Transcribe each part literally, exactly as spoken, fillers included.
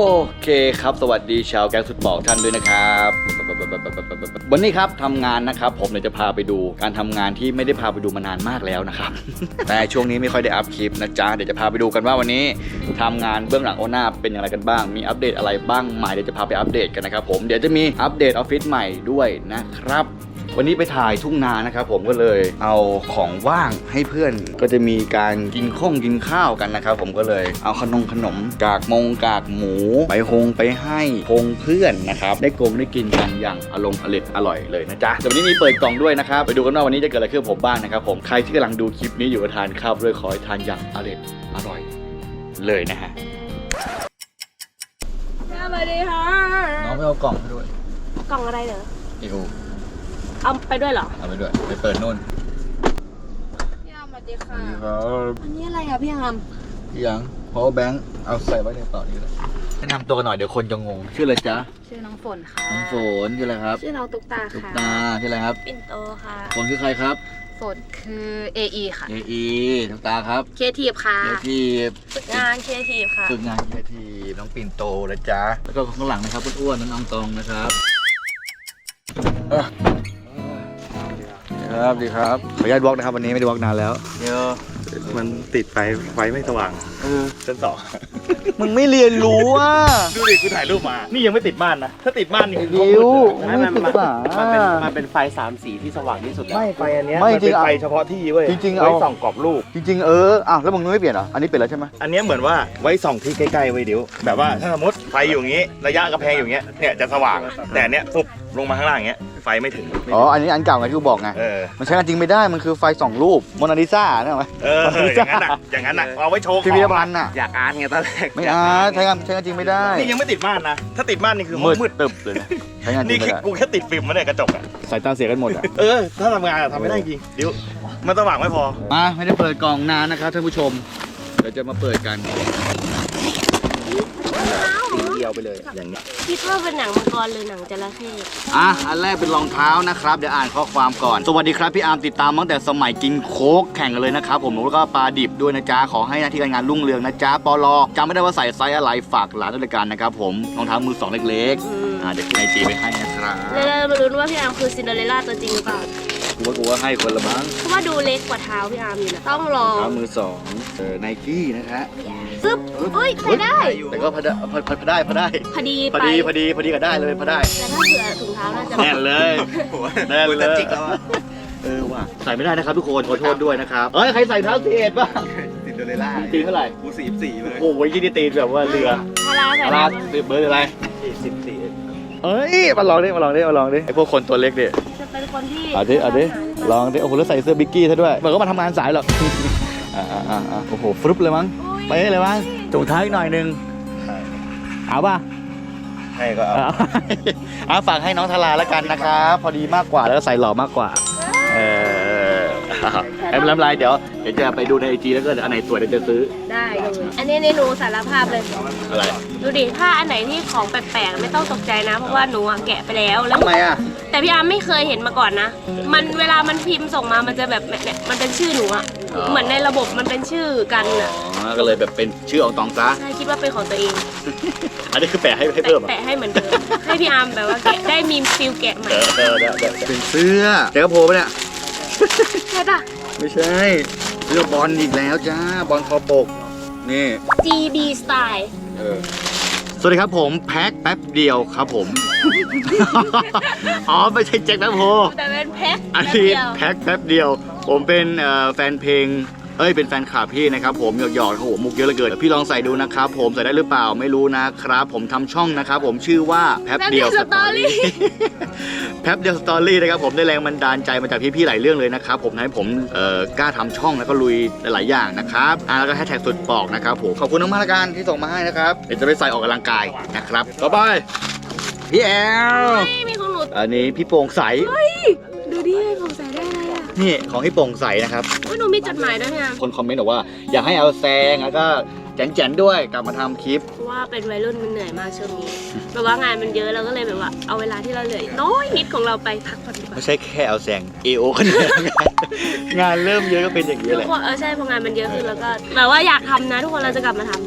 เคครับสวัสดีชาวแก๊งสุดบอกท่านด้วยนะครับวันนี้ครับทำงานนะครับผมเดี๋ยวจะพาไปดูการทำงานที่ไม่ได้พาไปดูมานานมากแล้วนะครับ แต่ช่วงนี้ไม่ค่อยได้อัพคลิปนะจ๊ะเดี๋ยวจะพาไปดูกันว่าวันนี้ทำงานเบื้องหลังโอน่าเป็นอย่างไรกันบ้างมีอัปเดตอะไรบ้างใหม่เดี๋ยวจะพาไปอัปเดตกันนะครับผมเดี๋ยวจะมีอัปเดตออฟฟิศใหม่ด้วยนะครับวันนี้ไปถ่ายทุ่งนานะครับผมก็เลยเอาของว่างให้เพื่อนก็จะมีการกินข้องกินข้าวกันนะครับผมก็เลยเอาขนมขนมกากมงกากหมูไปฮงไปให้พงเพื่อนนะครับได้กงได้กินกันอย่างอารมณ์อร่อยอร่อยเลยนะจ๊ะแต่วันนี้มีเปิดกล่องด้วยนะครับไปดูกันว่าวันนี้จะเกิดอะไรขึ้นกับผมบ้างนะครับผมใครที่กำลังดูคลิปนี้อยู่ทานข้าวด้วยขอให้ทานอย่างอร่อยอร่อยเลยนะฮะสวัสดีค่ะน้องไม่เอากล่องไปด้วยกล่องอะไรเหรออีโอเอาไปด้วยเหรอเอาไปด้วยไปเปิดนู่นพี่อามสวัสดีค่ะครับอันนี้อะไรอ่ะพี่อามพี่ยัง power bank เอาใส่ไว้ในกระเป๋านี้เลยแนะนำตัวกันหน่อยเดี๋ยวคนจะงงชื่ออะไรจ๊ะชื่อน้องฝนค่ะน้องฝนชื่ออะไรครับชื่อน้องตุ๊กตาตุ๊กค่ะตาชื่ออะไรครับปิ่นโตค่ะฝนคือใครครับฝนคือ เอ อี ค่ะเออีตุ๊กตาครับเคทีฟค่ะเอทีฝึกงานเคทีฟค่ะฝึกงานเอทีน้องปิ่นโตนะจ๊ะแล้วก็ข้างหลังนะครับอ้วนๆน้องอองตองนะครับครับดีครับขออนุญาตบล็อกนะครับวันนี้ไม่ได้บล็อกนานแล้วเดี๋ยวมันติดไฟไฟไม่สว่างเออชั้นสองมึงไม่เรียนรู้อ่ะดูดิกูถ่ายรูปมา นี่ยังไม่ติดม่านนะ ถ้าติดม่านนี่คือดิวไม่มันไม่ศึกษามันเป็นมันเป็นไฟสามสีที่สว่างที่สุดแล้วไม่ไฟอันเนี้ยไม่มันจริเป็งนเอาไฟเฉพาะที่เว้ยจริงๆเอาไว้ส่องกรอบรูปจริงๆเอออ้าวแล้วมึงไม่เปลี่ยนเหรออันนี้เปลี่ยนแล้วใช่ไหมอันเนี้ยเหมือนว่าไว้ส่องที่ใกล้ๆไว้เดี๋ยวแบบว่าถ้าสมมติไฟอยู่อย่างงี้ ระยะกระแพงอยู่อย่างเงี้ย เนี่ยจะสว่าง แต่อันเนี้ยปุ๊บลงมาข้างล่างอย่างเงี้ย ไฟไม่ถึงอ๋ออันนี้อันเก่าไงที่กูบอกไงเออมันใช้งานจริงไม่ได้มันคือไฟสองรูปโมนาลิซาเนี่ยไหมเออ อย่างนั้นอ่ะ อย่างนั้นอ่ะ เอาไว้โชว์ขพิองพิธภัณฑ์น่ะอยากอาร์ตไงตอนแรกไม่อาร์ตใช้งานใช้งานจริงไม่ได้นี่ยังไม่ติดม่านนะ ถ้าติดม่านนี่คือห้มืองดมืดตึบเลยนะใช้งานจรินี่งไม่แค่ได้กูแค่ติดฟิล์มมาเนี่ยกระจกอ่ะสายตาเสียกันหมดอ่ะเออ ถ้าทำงานอะทำไม่ได้จริงเดี๋ยวมันสว่างไม่พอมาไม่ได้เปิดกล่องนานนะครับท่านผู้ชมเดี๋ยวจะมาเปิดกันเดียวไปเลยอย่างนี้คิดว่าเป็นหนังมังกรหรือหนังจระเข้อ่ะอันแรกเป็นรองเท้านะครับเดี๋ยวอ่านข้อความก่อนสวัสดีครับพี่อาร์มติดตามตั้งแต่สมัยกินโค้กแข่งกันเลยนะครับผมแล้วก็ปลาดิบด้วยนะจ๊ะขอให้หน้าที่การงานรุ่งเรืองนะจ๊ะปลจำไม่ได้ว่าใส่ไซส์อะไรฝากหลานด้วยกันนะครับผมรองเท้ามือสองเล็กอืมๆอ่าเดี๋ยวขึ้นไอจีไปให้นะครับแล้วเรามาลุ้นว่าพี่อามคือซินเดอเรลล่าตัวจริงหรือเปล่ากูว่ากูว่าให้คนละมั้งเพราะว่าดูเล็กกว่าเท้าพี่อามอยู่นะต้องลองรองเท้ามือสองเออไนกี้นะฮะซึบเฮ้ยใส่ได้แต่ก็พอได้พอพอพอได้พอได้พอดีพอไปดีพอดีพอดีก็ได้เลยพอได้แต่ถ้าเผื่อถุงเท้าน่าจะแน่นเลยแน่นเลยจิกแล้วอะเออว่ะใส่ไม่ได้นะครับทุกคนขอโทษด้วยนะครับเอ้ยใครใส่เท้าสีเอ็ดบ้างติดโดเรล่าตีเท่าไหร่กูสี่สี่เลยโอ้โหยี่นี่ตีแบบว่าเรือพาราใส่อะได้ไรปะเบอร์อะไรสิบสี่เอ้ยมาลองดิมาลองดิมาลองดิไอพวกคนตัวเล็กดิจะเป็นคนที่เอาดิเอาดิลองดิโอ้โหแล้วใส่เสื้อบิกกี้ซะด้วยเหมือนก็มาทำงานสายหรอกอ่าอ่าอ่าโอ้โหฟลุปเลยมั้งไปเลยมั้งจุงท้ายอีกหน่อยนึงเอาป่ะให้ก็เอาเอาเอาฝากให้น้องทาราแล้วกันนะครับพอดีมากกว่าแล้วก็ใส่หล่อมากกว่าเออไม่เป็นไรเดี๋ยวเดี๋ยวจะไปดูในไอจีแล้วก็อันไหนสวยเดี๋ยวจะซื้อได้เลยอันนี้ในหนูสารภาพเลยอะไรดูดิถ้าอันไหนที่ของแปลกๆไม่ต้องตกใจนะ เพราะว่าหนูอะแกะไปแล้วแล้วทำไมอ่ะแต่พี่อาร์มไม่เคยเห็นมาก่อนนะ มันเวลามันพิมพ์ส่งมามันจะแบบเนี่ยมันเป็นชื่อหนูอะเหมือนในระบบมันเป็นชื่อกันอะอ๋อก็เลยแบบเป็นชื่ออองตองซะใช่คิดว่าเป็นของตัวเองอันนี้คือแปะให้ให้เพิ่มเหรอแปะให้เหมือนเดิมให้พี่อาร์มแบบว่าแกะได้มีฟิลแกะใหม่เออเออได้ได้เป็นเสื้อแจ็คกระโปรงปะเนี่ยใช่ปะไม่ใช่เรื่องบอลอีกแล้วจ้าบอลคอปกนี่จี บี Style เออสวัสดีครับผมแพ็คแป๊บเดียวครับผม อ๋อไม่ใช่แจ็คแป๊บโฮแต่เป็นแพ็คอันแป๊บนี้เดียวแพ็คแป๊บเดียว ผมเป็นเอ่อแฟนเพลงเอ้ยเป็นแฟนคลับพี่นะครับผมหยอกๆครับผมมุกเยอะเหลือเกินพี่ลองใส่ดูนะครับผมใส่ได้หรือเปล่าไม่รู้นะครับผมทำช่องนะครับผมชื่อว่าแป๊บเดียวสตอรี่ แป๊บเดียวสตอรี่นะครับผมได้แรงบันดาลใจมาจากพี่ๆหลายเรื่องเลยนะครับผมทำให้ผมเอ่อกล้าทำช่องแล้วก็ลุยหลายๆอย่างนะครับอ่าแล้วก็แฮชแท็กสุดปอกนะครับผมขอบคุณมากๆละกันที่ส่งมาให้นะครับเดี๋ยวจะไปใส่ออกกำลังกายนะครับต่อไปพี่แอลไม่มีของหนูอันนี้พี่โปร่งใสดูดิผมใส่ได้อะไรอ่ะนี่ของพี่โปร่งใสนะครับว่าหนูมีจดหมายด้วยนะคนคอมเมนต์บอกว่าอยากให้เอาแซงแล้วก็แจ๋นๆด้วยกลับมาทำคลิปเพราะว่าเป็นวัยรุ่นมันเหนื่อยมากช่วงนี้แบบว่างานมันเยอะเราก็เลยแบบว่าเอาเวลาที่เราเหลือน้อยนิดของเราไปพักผ่อนดีกว่าไม่ใช่แค่เอาแซง เอ โอ ก็เหนื่อยงานเริ่มเยอะก็เป็นอย่างนี้ทุแหกละคนเออใช่พองานมันเยอะขึ้นแล้วก็แบบว่าอยากทำนะ ทุกคนเราจะกลับมาทำ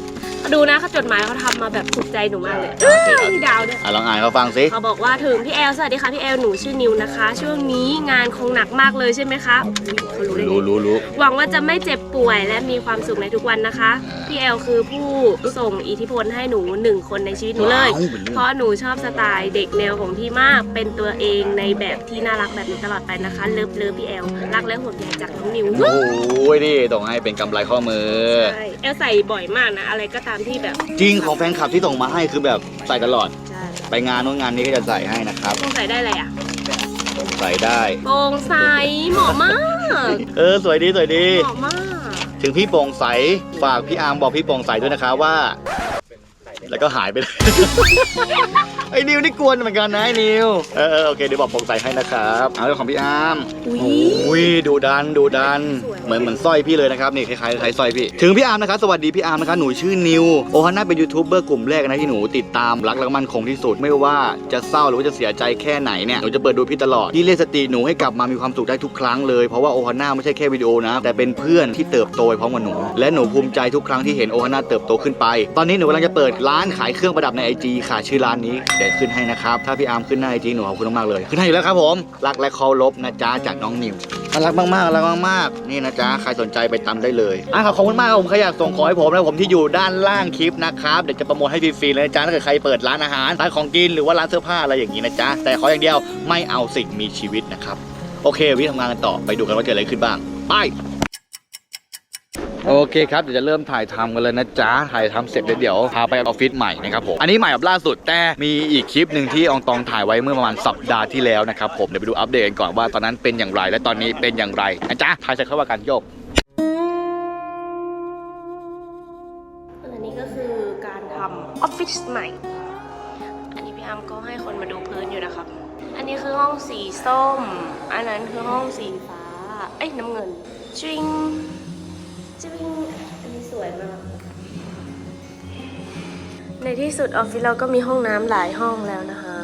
ดูนะเขาจดหมายเขาทำมาแบบถูกใจหนูมากเลยเอ้ยมีดาวด้วยอ่ะลองอ่านเขาฟังสิเขาบอกว่าถึงพี่แอลสวัสดีค่ะพี่แอลหนูชื่อนิวนะคะ ช่วงนี้งานคงหนักมากเลยใช่ไหมคะเขารู้ได้ไงรู้รู้รู้หวังว่าจะไม่เจ็บป่วยและมีความสุขในทุกวันนะคะพี่แอลคือผู้ส่งอิทธิพลให้หนูหนึ่งคนในชีวิตหนูเลย เพราะหนูชอบสไตล์เด็กแนวของพี่มากเป็นตัวเองในแบบที่น่ารักแบบนี้ตลอดไปนะคะเลิฟเลิฟพี่แอลรักและห่วงใยจากน้องนิวโอ้ยนี่ส่งให้เป็นกำไรข้อมือใช่แอลใส่บ่อยมากนะอะไรก็ตามที่แบบจริงของแฟนคลับที่ส่งมาให้คือแบบใส่ตลอดใช่ไปงานโน้นงานนี้ก็จะใส่ให้นะครับโปร่งใสได้อะไรอ่ะใส่ได้โปร่งใสเหมาะมากเออสวยดีสวยดีเหมาะมากถึงพี่โปร่งใสฝากพี่อาร์มบอกพี่โปร่งใสด้วยนะคะว่า แล้วก็หายไปเลย ไอ้นิวนี่กวนเหมือนกันนะไอ้นิวเออเออโอเคเดี๋ยวบอกโปร่งใสให้นะครับเอาเรื่องของพี่อาร์มอุ้ยอุ้ยดูดันดูดันสวยเหมือนเหมือนสร้อยพี่เลยนะครับนี่คล้ายๆคล้ายสร้อยพี่ถึงพี่อาร์มนะครับสวัสดีพี่อาร์มนะครับหนูชื่อนิวโอฮาน่าเป็นยูทูบเบอร์กลุ่มแรกนะที่หนูติดตามรักและมั่นคงที่สุดไม่ว่าจะเศร้าหรือว่าจะเสียใจแค่ไหนเนี่ยหนูจะเปิดดูพี่ตลอดที่เรียกสติหนูให้กลับมามีความสุขได้ทุกครั้งเลยเพราะว่าโอฮาน่าไม่ใช่แค่วิดีโอนะแต่เป็นเพื่อนที่เติบโตไปพร้อมกับหนูและหนูภูมิใจทุกครั้งที่เห็นโอฮาน่าเติบโตขึ้นไปตอนนี้หนูกำลังจะเปิดร้านขายเครื่องประดับใน ไอ จี ค่ะชื่อร้านนี้เดี๋ยวขึ้นให้นะครับถ้าพี่อาร์มขึ้นหน้า ไอ จี หนูขอบคุณมากๆเลยขึ้นให้อยู่แล้วครับผมรักและเคารพนะจ๊ะจากน้องนิวน่ารักมากๆน่ารักมากๆนี่นะจ๊ะใครสนใจไปตามได้เลยอ่ะขอบคุณมากครับผมใครอยากส่งของให้ผมนะผมที่อยู่ด้านล่างคลิปนะครับเดี๋ยวจะโปรโมทให้ฟรีๆเลยนะจ๊ะถ้าเกิดใครเปิดร้านอาหารร้านของกินหรือว่าร้านเสื้อผ้าอะไรอย่างนี้นะจ๊ะแต่ขออย่างเดียวไม่เอาสิ่งมีชีวิตนะครับโอเควิธีทำงานกันต่อไปดูกันว่าเกิดอะไรขึ้นบ้างไปโอเคครับเดี๋ยวจะเริ่มถ่ายทำกันเลยนะจ๊ะถ่ายทำเสร็จเดี๋ยวพาไปออฟฟิศใหม่นะครับผมอันนี้ใหม่แบบล่าสุดแต่มีอีกคลิปหนึ่งที่อองตองถ่ายไว้เมื่อประมาณสัปดาห์ที่แล้วนะครับผมเดี๋ยวไปดูอัปเดตกันก่อนว่าตอนนั้นเป็นอย่างไรและตอนนี้เป็นอย่างไรนะจ๊ะถ่ายเสร็จเข้าว่ากันโยกอันนี้ก็คือการทำออฟฟิศใหม่อันนี้พี่อาร์มก็ให้คนมาดูพื้นอยู่นะครับอันนี้คือห้องสีส้มอันนั้นคือห้องสีฟ้าเอ้ยน้ำเงินจริงจริงอันนี้สวยมากในที่สุดออฟฟิศเราก็มีห้องน้ำหลายห้องแล้วนะคะ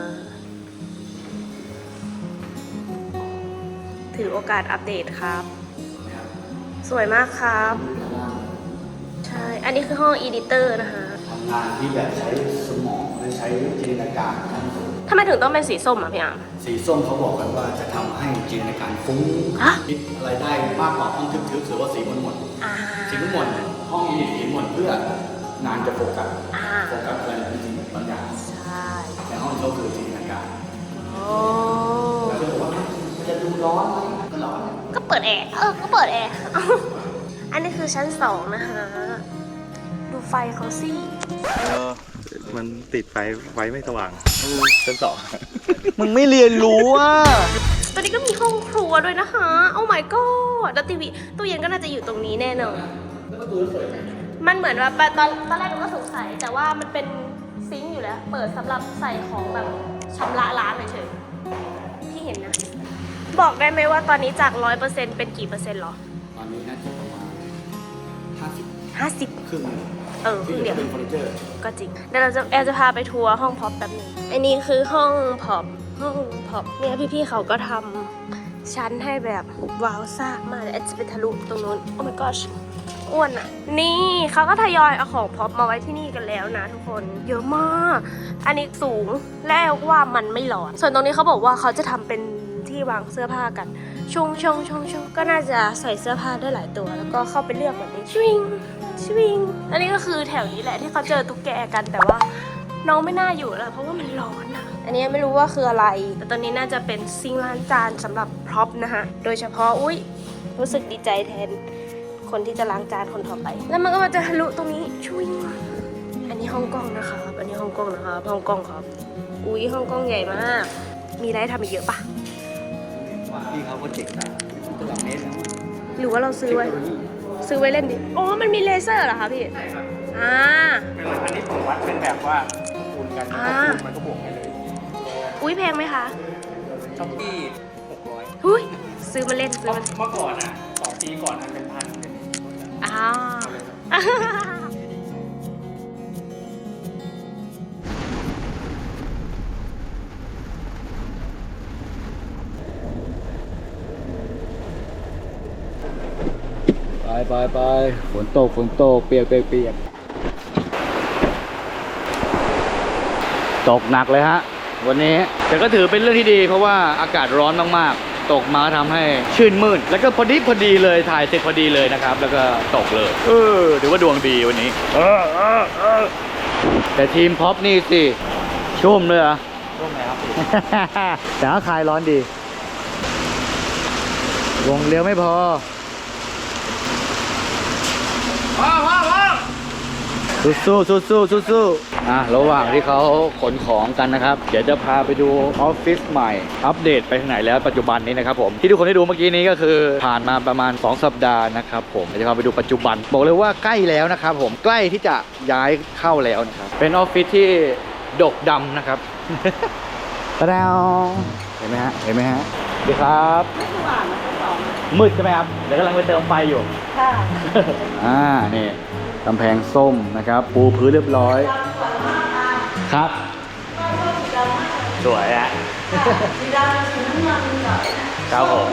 ถือโอกาสอัปเดตครับ สวยมากครับใช่อันนี้คือห้องอีดิเตอร์นะคะทำงานที่แบบใช้สมองและใช้จินตนาการขั้นสูงทำไมถึงต้องเป็นสีส้มอ่ะพี่อาร์มสีส้มเขาบอกกันว่าจะทำให้จินตนาการฟุ้งฮะคิดอะไรได้มากกว่าห้องทึบๆหรือว่าสีมนมนอ่าสีมนมนห้องนี้สีมนเพื่องานจะโฟกัสอ่าโฟกัสอะไรจริงๆบางอย่างใช่แต่ห้องเขาคือจินตนาการโอ้แล้วก็บอกว่ามันจะดูร้อนไหมก็ร้อนก็เปิดแอร์เออก็เปิดแอร์ อันนี้คือชั้นสองนะคะดูไฟเขาสิเออมันติดไฟไฟไม่สว่างชั้นสองมึงไม่เรียนรู้อ่ะตอนนี้ก็มีห้องครัวด้วยนะคะโอ้ my god แล้วทีวีตู้เย็นก็น่าจะอยู่ตรงนี้แน่นอนมันเหมือนว่าตอนตอนแรกหนูก็สงสัยแต่ว่ามันเป็นซิงค์อยู่แล้ว เปิดสำหรับใส่ของแบบชำระล้างเฉยๆที่เห็นนะ บอกได้ไหมว่าตอนนี้จากร้อยเปอร์เซ็นต์เป็นกี่เปอร์เซ็นต์หรอตอนนี้น่าจะประมาณห้าสิบห้าสิบครึ่งเออครึ่งเดียวเป็นเฟอร์นิเจอร์ก็จริงเดี๋ยวเราจะแอลจะพาไปทัวร์ห้องพ็อปแป๊บหนึงอันนี้คือห้องพ็อปห้องพ็อปเนี่ยพี่ๆเขาก็ทำชั้นให้แบบว้าวซ่ากมากเลยแอลจะไปทะลุตรงนู้นโอ้ my gosh อ้วนอ่ะนี่เขาก็ทยอยเอาของพ็อปมาไว้ที่นี่กันแล้วนะทุกคนเยอะมากอันนี้สูงและแอลว่ามันไม่ร้อนส่วนตรงนี้เขาบอกว่าเขาจะทำเป็นที่วางเสื้อผ้ากันชงชงชงชงก็น่าจะใส่เสื้อผ้าได้หลายตัวแล้วก็เข้าไปเลือกแบบนี้ชวิงชวิงอันนี้ก็คือแถวนี้แหละที่เขาเจอตุ๊กแกกันแต่ว่าน้องไม่น่าอยู่แล้วเพราะว่ามันร้อนอะอันนี้ไม่รู้ว่าคืออะไรแต่ตอนนี้น่าจะเป็นซิงค์ล้างจานสำหรับพร็อพนะคะโดยเฉพาะอุ้ยรู้สึกดีใจแทนคนที่จะล้างจานคนต่อไปแล้วมันก็มาจะทะลุตรงนี้ชวิงอันนี้ห้องกล้องนะคะอันนี้ห้องกล้องนะคะห้องกล้องครับอุ้ยห้องกล้องใหญ่มากมีอะไรให้ทำอีกเยอะปะพี่เขาก็เจ๋งนะตัวแบบนี้หรือว่าเราซื้อไว้ ซื้อไว้เล่นดิอ๋อมันมีเลเซอร์เหรอคะพี่อ่าเป็นอันนี้ผมวัดเป็นแบบว่าคูณกันอ่ามันก็บวกให้เลยอุ้ยแพงไหมคะช้อปปี้หกร้อยหุ้ยซื้อมาเล่นซื้อมาเมื่อก่อนอ่ะสองปีก่อนอันเป็นพันเป็นอ่าไปไปไปฝนตกฝนตกเปียกเปียกเปียกตกหนักเลยฮะวันนี้แต่ก็ถือเป็นเรื่องที่ดีเพราะว่าอากาศร้อนมากๆตกมาทำให้ชื่นมื่นแล้วก็พอดีพอดีเลยถ่ายเสร็จพอดีเลยนะครับแล้วก็ตกเลยเออถือว่าดวงดีวันนี้เออเออเออแต่ทีมพ็อปนี่สิชุ่มเลยเหรอชุ่มเลยครับ แต่ว่าคลายร้อนดีวงเลี้ยวไม่พอสู้สู้สู้สู้สู้สู้อ่ะระหว่างที่เขาขนของกันนะครับเดี๋ยวจะพาไปดูออฟฟิศใหม่อัปเดตไปทางไหนแล้วปัจจุบันนี้นะครับผมที่ทุกคนได้ดูเมื่อกี้นี้ก็คือผ่านมาประมาณสองสัปดาห์นะครับผมเดี๋ยวจะพาไปดูปัจจุบันบอกเลยว่าใกล้แล้วนะครับผมใกล้ที่จะย้ายเข้าแล้วนะครับเป็นออฟฟิศที่ดกดำนะครับ ตะดาวเห็นไหมฮะเห็นไหมฮะสวัสดีครับมืดใช่ไหมครับเดี๋ยวกำลังไปเติมไฟอยู่ค่ะ อ่านี่กำแพงส้มนะครับปูพื้นเรียบร้อยครับสวยอะสีดำสีน้ำเงินหน่อยครับผม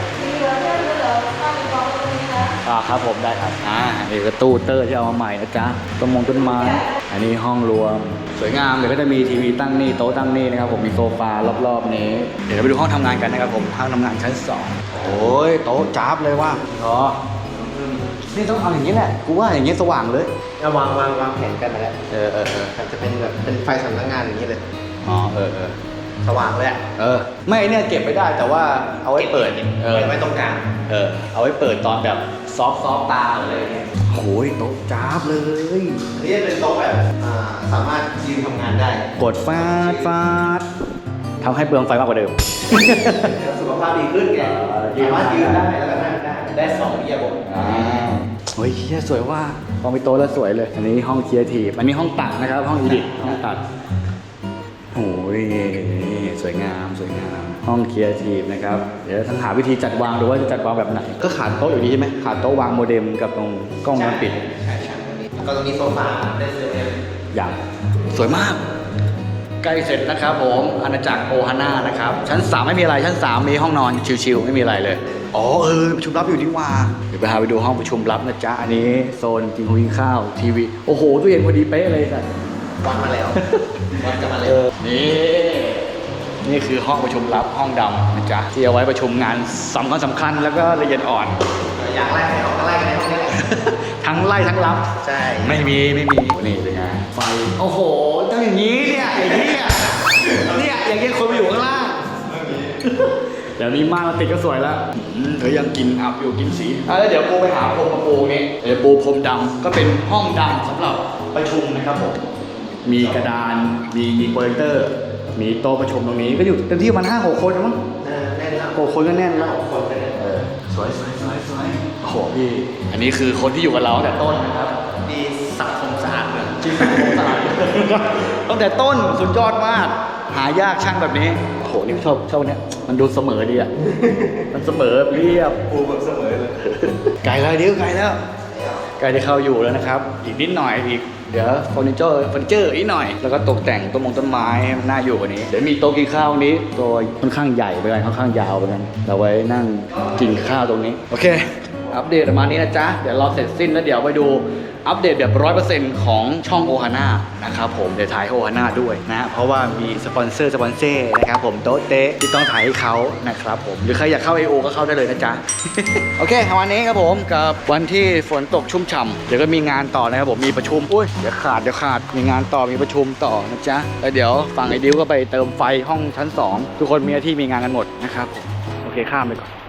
อ่าครับผมได้ครับอ่านี่ก็ตู้เตอร์ที่เอามาใหม่นะจ๊ะต้นมงต้นไม้อันนี้ห้องรวมสวยงามเดี๋ยวก็จะมีทีวีตั้งนี่โต๊ะตั้งนี่นะครับผมมีโซฟารอบๆนี้เดี๋ยวเราไปดูห้องทำงานกันนะครับผมห้องทำงานชั้นสองโอ้ยโต๊ะจ้าบเลยว่ะเหรอนี่ต้องเอาอย่างนี้แหละกูว่าอย่างนี้สว่างเลยวางวางวางแผนกันมาแล้วเออเออเออมันจะเป็นแบบเป็นไฟสำนักงานอย่างนี้เลยอ๋อเออเออสว่างเลยอะเออไม่เนี่ยเก็บไม่ได้แต่ว่าเอาไว้เปิดเออไว้ตรงกลางเออเอาไว้เปิดตอนแบบซอฟซอฟตาอะไรอย่างเงี้ยโอ้ยโต๊ะจ้าบเลยอันนี้จะเป็นโต๊ะแบบอ่าสามารถยืนทำงานได้กดฟาดฟาดทำให้เปลืองไฟมากกว่าเดิมสุขภาพดีขึ้นไงเออยืนสามารถยืนได้แล้วก็นั่งได้ได้สองอิริยาบถอ่าเฮ้ยเฮียสวยว่าพอมีโต๊ะแล้วสวยเลย อันนี้ห้องครีเอทีฟอันนี้ห้องตัดนะครับ ห้องอีดิทห้องตัดโอ้ยสวยงามสวยงามห้องครีเอทีฟนะครับเดี๋ยวทั้งหาวิธีจัดวางดูว่าจะจัดวางแบบไหนก็ขาดโต๊ะอยู่ดีใช่ไหมขาดโต๊ะวางโมเด็มกับตรงกล้องวงจรปิดใช่ใช่แล้วก็ตรงนี้โซฟาได้เซลล์อย่างสวยมากใกล้เสร็จนะครับผมอาณาจักรโอฮาน่านะครับชั้นสามไม่มีอะไรชั้นสามมีห้องนอนชิลๆไม่มีอะไรเลยอ๋อเออประชุมลับอยู่นี่ว่าเดี๋ยวไปหาไปดูห้องประชุมลับนะจ๊ะอันนี้โซนกินข้าวกินข้าวทีวีโอ้โหตู้เย็นพอดีเป๊ะเลยสัตว์วันมาแล้ววันจะมาแล้วนี่นี่คือห้องประชุมลับห้องดำนะจ๊ะที่เอาไว้ประชุมงานสำคัญสำคัญแล้วก็ละเอียดอ่อนอยากไล่ใครออกก็ไล่กันในห้องนี้แหละทั้งไล่ทั้งรับใช่ไม่มีไม่มีนี่เป็นไงไฟโอ้โหต้องอย่างนี้เนี่ยอย่างนี้อ่ะเนี่ยอย่างเงี้ยคนไปอยู่ข้างล่างเดี๋ยวนี้ม่านมันติดก็สวยแล้วอืมเธอยังกินอับอยู่กินสีอ่ะแล้วเดี๋ยวปูไปหาพรมมาปูนี่เดี๋ยวปูพรมดำก็เป็นห้องดำสำหรับประชุมนะครับผมมีกระดานมีโปรเจคเตอร์ มีโต๊ะประชุมตรงนี้ก็อยู่เต็มที่ประมาณห้าหกคนมั้งเออแน่นแล้วหกคนก็แน่นแล้วหกคนไปเลยเออสวยสวยสวยสวยโอ้โหพี่อันนี้คือคนที่อยู่กับเราตั้งแต่ต้นนะครับดีสังคมสะอาดเลยจริงผมตลาดตั้งแต่ต้นสุดยอดมากหายากช่างแบบนี้โอ้โหนี่ชอบชอบเนี้ยมันดูเสมอดีอ่ะมันเสมอเรียบปูแบบเสมอเลยไกลแล้วเดี๋ยวไกลแล้วไกลจะเข้าอยู่แล้วนะครับ อีกนิดหน่อยอีกเดี๋ยวเฟอร์นิเจอร์เฟอร์นิเจอร์อีกหน่อยแล้วก็ตกแต่งต้นมงต้นไม้ให้มันน่าอยู่กว่านี้เดี๋ยวมีโต๊ะกินข้าวนี้ตัวค่อนข้างใหญ่ไปกันค่อนข้างยาวไปกันเราไว้นั่งกินข้าวตรงนี้โอเคอัปเดตประมาณนี้นะจ๊ะเดี๋ยวรอเสร็จสิ้นแล้วเดี๋ยวไปดูอัปเดตแบบร้อยเปอร์เซ็นต์ของช่องโอฮาน่านะครับผมเดี๋ยวถ่ายโอฮาน่าด้วยนะเพราะว่ามีสปอนเซอร์สปอนเซอร์นะครับผมโต๊ะเต๊ะที่ต้องถ่ายให้เขานะครับผมหรือใครอยากเข้า ไอ โอ ก็เข้าได้เลยนะจ๊ะ โอเควันนี้ครับผมกับวันที่ฝนตกชุ่มฉ่ำเดี๋ยวก็มีงานต่อนะครับผมมีประชุมอุ้ยเดี๋ยวขาดเดี๋ยวขาดมีงานต่อมีประชุมต่อนะจ๊ะแล้วเดี๋ยวฝั่งไอ้ดิวก็ไปเติมไฟห้องชั้นสองทุกคนมีหน้าที่มีงานกันหมดนะครับผมโอเคข้ามไปก่อน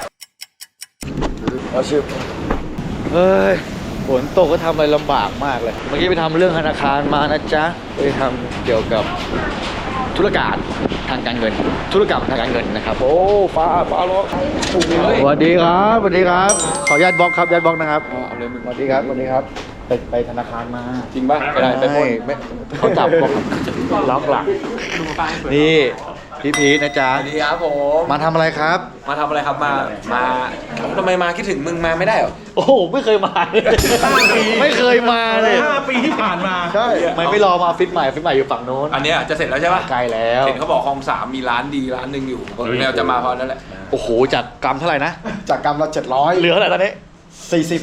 เอาชิบเฮ้ยฝนตกก็ทำอะไรลำบากมากเลยเมื่อกี้ไปทำเรื่องธนาคารมานะจ๊ะไปทำเกี่ยวกับธุรการทางการเงินธุรกรรมทางการเงินนะครับโอ้ฟ้าฟ้าร้องสวัสดีครับสวัสดีครับขออนุญาตบล็อกครับญาตบล็อกนะครับสวัสดีครับสวัสดีครับไปไปธนาคารมาจริงป่ะไปไหนไปปล้นไม่เขาจับบอกล็อกหลังนี่พี่พีทนะจ๊ะสวัสดีครับผมมาทำอะไรครับมาทำอะไรครับมา มาทำไมมาคิดถึงมึงมาไม่ได้เหรอโอ้โหไม่เคยมาเลยไม่เคยมาเลยห้าปีที่ผ่านมาใช่ไม่ไม่รอมาฟิตใหม่ฟิตใหม่อยู่ฝั่งโน้นอันเนี้ยจะเสร็จแล้วใช่ปะไกลแล้วเห็นเขาบอกคลองสามมีร้านดีร้านหนึ่งอยู่แนวจะมาเพราะนั่นแหละโอ้โหจากกรัมเท่าไหร่นะจากกรรมละเจ็ดร้อยเหลือเท่าไหร่ตอนนี้สี่สิบ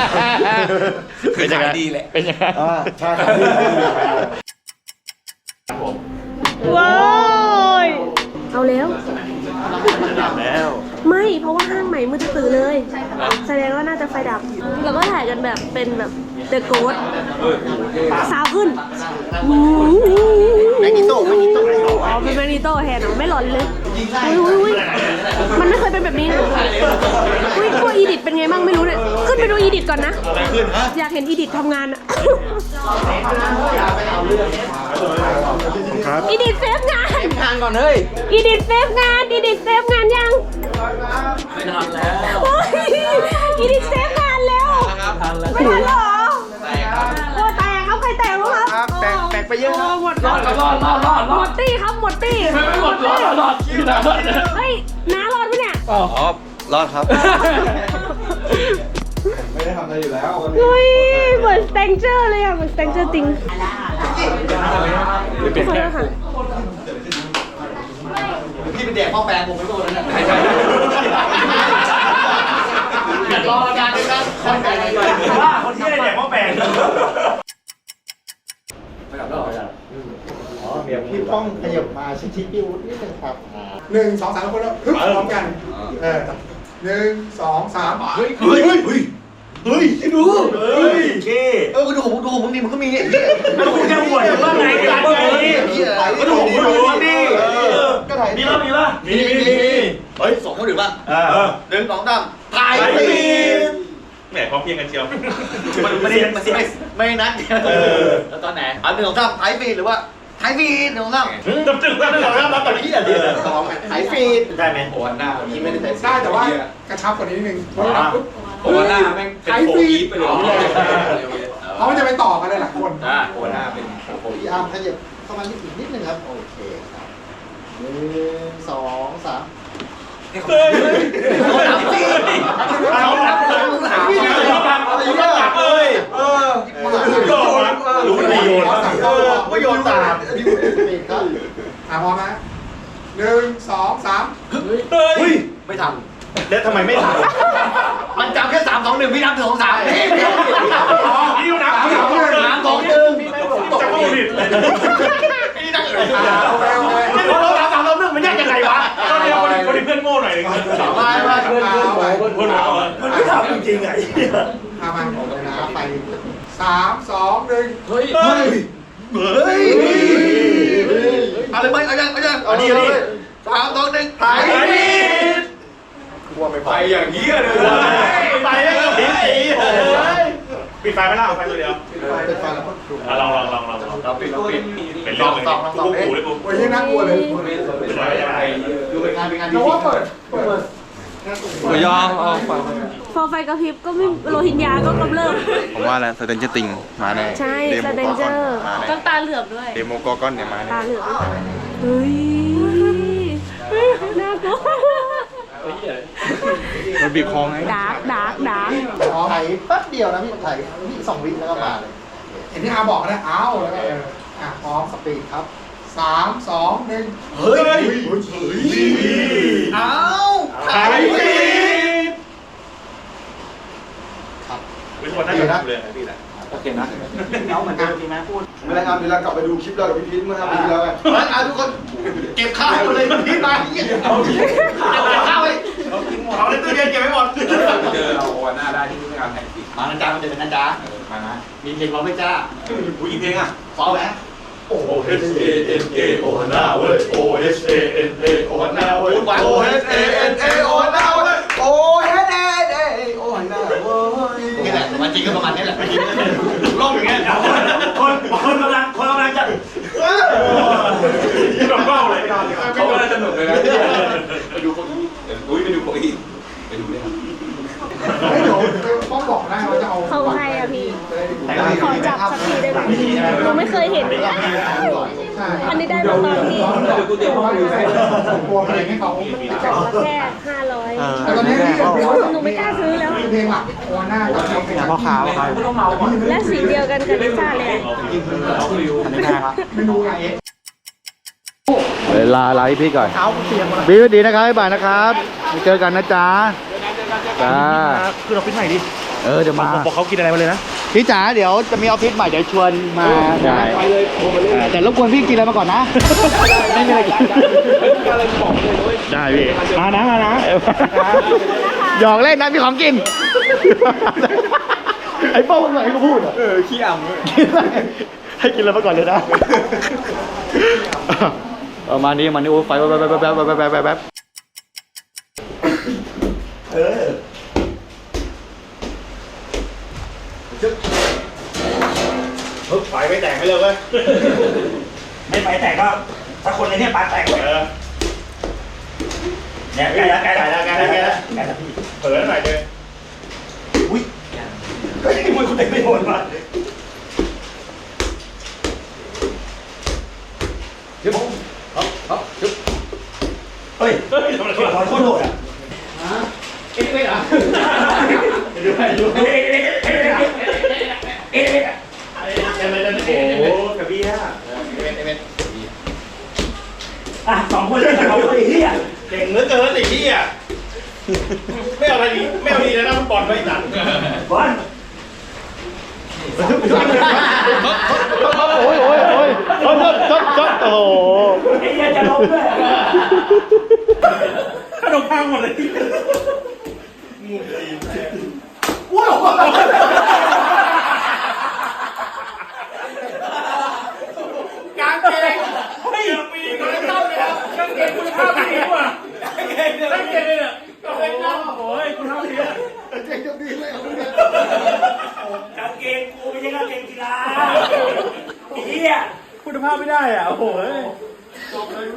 คือขายดีแหละเป็นยังไงอ่าใช่ครับเอาแล้วแล้วไม่เพราะว่าห้างใหม่มืดตื่นเลย แสดงว่าน่าจะไฟดับ แล้วก็ถ่ายกันแบบเป็นแบบเดอะโกสสาวขึ้นแมกนิโต้แมกนิโต้อ๋อเป็นแมกนิโต้แทนเหรอไม่หลอนเลยอุ้ยอุ้ยมันไม่เคยเป็นแบบนี้นะอุ้ยตัวอีดิทเป็นไงบ้างไม่รู้เนี่ยขึ้นไปดูอีดิทก่อนนะอยากเห็นอีดิททำงานอะอีดิทเซฟงานงานก่อนเฮ้ยอีดิทเซฟงานอีดิทเซฟงานยังไม่ทันแล้วโอ้ยอีดิทเซฟงานแล้วไม่ทันเหรอโอ้แตกครับใครแตกรู้ครับแตกแตกไปเยอะครับหมดรอดรอดรอดรอดหมดตี้ครับหมดตี้ไม่ไม่หมดรอดรอดรอดพี่นะเฮ้ยน้ารอดปะเนี่ยอ๋อรอดครับไม่ได้ทำอะไรอยู่แล้วเฮ้ยเหมือนสแตงเจอร์เลยอ่ะเหมือนสแตงเจอร์จริงเป็นแค่ค่ะพี่เป็นเด็กพ่อแปลงผมไม่รู้แล้วเนี่ยรอการด้วยกันคนใจดีว่าคนที่ได้แดกหม้อแปลงอ๋อเดี๋ยวพี่ป้องขยับมาชิดๆพี่วุฒินิดนึงครับหนึ่งสองสามคนแล้วฮึบพร้อมกัน เออหนึ่งสองสามเฮ้ย เฮ้ย เฮ้ย เฮ้ยดูเฮ้ยเก้เออดูผมดูผมมึงนี่มันก็มีเนี่ยแล้วคุณจะห่วยว่าไงกันไงก็ดูผมดูว่านี่ก็ถ่ายมีป่ะมีป่ะมีมีมีเฮ้ยสองคนหรือป่ะเออหนึ่งสองสามถ่ายไปปีแหมพร้อมเพียงกันเชียวมันไม่ได้มันไม่ไม่นัดเออแล้วตอนไหนอันหนึ่งสองสามถ่ายปีหรือว่าถ่ายปีหนึ่งสองสามจำจึงแล้วนึกออกแล้วรับตอนนี้อ่ะดีเลยสองถ่ายฟีดได้ไหมโอ้หน้านี่ไม่ได้ถ่ายได้แต่ว่ากระชับกว่านี้นิดนึงเพราะว่าปุ๊บโอ้หน้าแม่งเป็นโฟกีไปเลยเพราะมันจะไปต่อกันเลยหลายคนอ่าโอ้หน้าเป็นโฟกีพี่อาร์มขยับเข้ามานิดนิดนึงครับ โอเคครับหนึ่งสองสามเฮ้ยเขาถามปีเขาถามเขาถามปีอายุมากเลยเออโยนรู้ไม่โยนเออไม่โยนตามฟีดครับอ่ะพร้อมนะหนึ่งสองสามเฮ้ยไม่ทแล้วทำไมไม่ทำำมันจำแค่สามสองหนึ่งพี่นับถึงสองสามพี่นี่นับสามสองหนึ่งสามสองหนึ่งจะพูดผิดพี่นั่งเลยอ่าโอเคโอเคนี่เราสามสามเราเรื่องมันยากยังไงวะก็เรียกคนคนเพื่อนโง่หน่อยนึงมามาเพื่อนเพื่อนไปเพื่อนเพื่อนมันไม่ทำจริงๆไงอามานะไปสามสองหนึ่งเฮ้ยเฮ้ยเฮ้ยเอาเลยไหมเอายังเอายังเอาดิเอาดิสามสองหนึ่งถ่ายไปอย่างนี้เลยไปแล้วก็ผิดอีปิดไฟไม่ล่ะไฟตัวเดียวเป็นฟังแล้วก็ถูกลองลองลองลองเราปิดเราปิดเป็นเรื่องเลยกูกูเลยกูโอ้ยยังน่ากลัวเลยดูเป็นงานเป็นงานแต่ว่าเปิดเปิดยอมเอาไปพอไฟกระพริบก็ไม่โลหิตยาก็กำเริบผมว่าแล้วสเตนเจอร์ติงมาแน่ใช่เดสโมแตกนอเจกออนร์มาแน่ต้องตาเหลือบด้วยเดโมกอกอนเนี่ยมาแน่ตาเหลือบเฮ้ยน่ากลัวมันบีบคอไงดาร์กดาร์กดาร์กถ่ายแป๊บเดียวนะพี่ถ่ายนี่สองวิแล้วก็มาเลยเห็นที่อาบอกนะอ้าวแล้วก็เอออ่ะพร้อมสปีดครับสามสองหนึ่งเฮ้ยเอาถ่ายปิดครับเป็นคนน่าจะเลยพี่แหละโอเคนะเอาเหมือนเดิมดีไหมพูดเวลาทำเวลากลับไปดูคลิปเรากับพี่พีทเมื่อทำปีที่แล้วไงเอาทุกคนเก็บข้าวให้หมดเลยพี่มาเก็บข้าวไว้เอาในตู้เย็นเก็บไว้หมดเจอเราโอ้หน้าได้ที่งานแข่งปีมานะจ๊ะมันจะเป็นนะจ๊ะมานะมีเพลงร้องไหมจ๊ะผู้หญิงเพลงอ่ะฟ้องไหม O H A N A โอฮาน่าเว้ย O H A N A โอฮาน่าเว้ย O H A N A โอฮาน่าเว้ยโอ้เฮ้เฮ้เฮ้โอ้ยน่าเว้ยนี่แหละมันจริงก็ประมาณนี้แหละไม่จริงร้องอย่างเงี้ยคนคนกำลังคนกำลังจะยิ่งแบบเบ้าเลยเขาก็สนุกเลยนะไปดูโคอี้อุ้ยไปดูโคอี้ไปดูได้ครับเฮ้ยเดี๋ยวป้องบอกได้ว่าจะเอาเขาใครอะพี่จะได้ดูขอจับสักทีได้ไหมเราไม่เคยเห็นเลยอันนี้ได้มาตอนที่กูเตรียมห้องอยู่ได้โปรเพลงให้เขาจับมาแค่ห้าร้อยแต่ตอนนี้พี่เดี๋ยวหนูไม่กล้าซื้อแล้วเพลงหลักโอหน้ากับเพลงพ่อขาวครับและสีเดียวกันกับลิซ่าเลยอันนี้นะครับไม่รู้ไงเวลาไลฟ์พี่ก่อนบีสวัสดีนะครับบ๊ายบายนะครับเจอกันนะจ๊ะจ้าคือเราปิ้นใหม่ดิเออเดี๋ยวมาบอกเขากินอะไรมาเลยนะพี่จ๋าเดี๋ยวจะมีออฟฟิศใหม่เดี๋ยวชวนมาได้แต่รบกวนพี่กินอะไรมาก่อนนะไม่มีอะไรกินได้พี่มานะมานะหยอกเล่นนะมีของกินไอ้โป้งไหนก็พูดอ่ะเออขี้อ่ำเลยให้กินอะไรมาก่อนเลยนะประมาณนี้มันนี่โอ้ไฟแป๊บแป๊บแป๊บแป๊บแป๊บแป๊บแป๊บเออฮึบไฟไม่แตกไม่เลยเว้ยไม่ไฟแตกก็ถ้าคนในนี้ปาแตกเลยเนี่ยใกล้แล้วใกล้แล้วใกล้แล้วใกล้แล้วใกล้แล้วพี่เผลอหน่อยเลยอุ้ยเฮ้ยมวยคุณเตะไม่โดนมาเดี๋ยวผมเอาเอาเดี๋ยวเฮ้ยเฮ้ยทำอะไรขอโทษโดดอ่ะเอ็ดเอ็ดอ่ะดูให้ดูให้เอ็ดเอ็ดเอ็ดเอ็ดเอ็ดโอ้กระบี่ฮะเอ็ดเอ็ดอ่ะสองคนเล่นกับเขาไอ้เหี้ยเก่งเหลือเกินไอ้เหี้ยไม่เอาอะไรดีไม่เอาดีแล้วนะฟุตบอลไม่ตัดบอลโอ้ยโอ้ยโอ้ยโอ้ยจดจดโอ้โหไอ้เหี้ยจะล้มด้วยขนมพังหมดเลยว้าวกางเกงเฮ้ยมีคุณภาพเลยครับกางเกงคุณภาพดีกว่ากางเกงกางเกงเนี่ยกางเกงน้ำโอ้ยคุณภาพดีอะกางเกงจะดีเลยเอาเนี่ยกางเกงกูไม่ใช่กางเกงกีฬาเฮียคุณภาพไม่ได้อ่ะโอ้โหจบเลย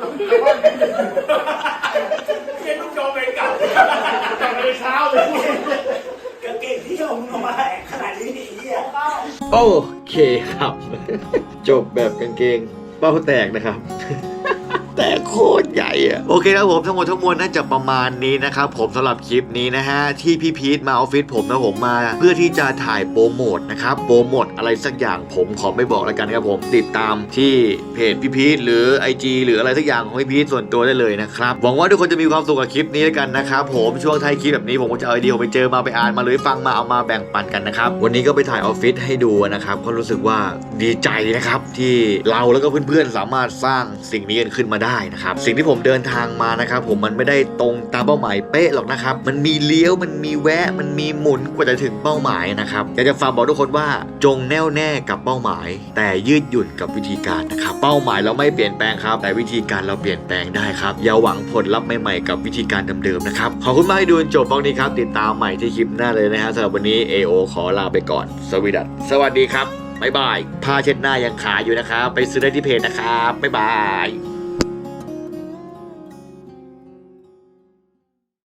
เกงลูกโจเป็นเก่าแต่ในเช้าเลยกางเกงที่เอามึงมาขนาดนี้เฮียโอเคครับ จบแบบกางเกงเป้าแตกนะครับ แต่โคตรใหญ่อะโอเคครับผมทั้งหมดทั้งมวลน่าจะประมาณนี้นะครับผมสำหรับคลิปนี้นะฮะที่พี่พีทมาออฟฟิศผมนะผมมาเพื่อที่จะถ่ายโปรโมทนะครับโปรโมทอะไรสักอย่างผมขอไม่บอกแล้วกันนะครับผมติดตามที่เพจพี่พีทหรือ ไอ จี หรืออะไรสักอย่างของพี่พีทส่วนตัวได้เลยนะครับหวังว่าทุกคนจะมีความสุขกับคลิปนี้แล้วกันนะครับผมช่วงท้ายคลิปแบบนี้ผมก็จะเอาไอเดียไปเจอมาไปอ่านมาหรือฟังมาเอามาแบ่งปันกันนะครับวันนี้ก็ไปถ่ายออฟฟิศให้ดูนะครับก็รู้สึกว่าดีใจนะครับที่เราแล้วก็เพื่อนๆสามารถสร้างสิ่งนี้กันขึ้นมาได้นะครับสิ่งที่ผมเดินทางมานะครับผมมันไม่ได้ตรงตามเป้าหมายเป๊ะหรอกนะครับมันมีเลี้ยวมันมีแวะมันมีหมุนกว่าจะถึงเป้าหมายนะครับอยากจะฝากบอกทุกคนว่าจงแน่วแน่กับเป้าหมายแต่ยืดหยุ่นกับวิธีการนะครับเป้าหมายเราไม่เปลี่ยนแปลงครับแต่วิธีการเราเปลี่ยนแปลงได้ครับอย่าหวังผลลัพธ์ใหม่ๆกับวิธีการเดิมๆนะครับขอบคุณมากที่ดูจนจบบล็อกนี้ครับติดตามใหม่ที่คลิปหน้าเลยนะฮะสำหรับวันนี้ เอ โอ ขอลาไปก่อนสวัสดีสวัสดีครับบ๊ายบายผ้าเช็ดหน้ายังขายอยู่นะครับไปซื้อได้ที่เพจนะครับบ๊ายบาย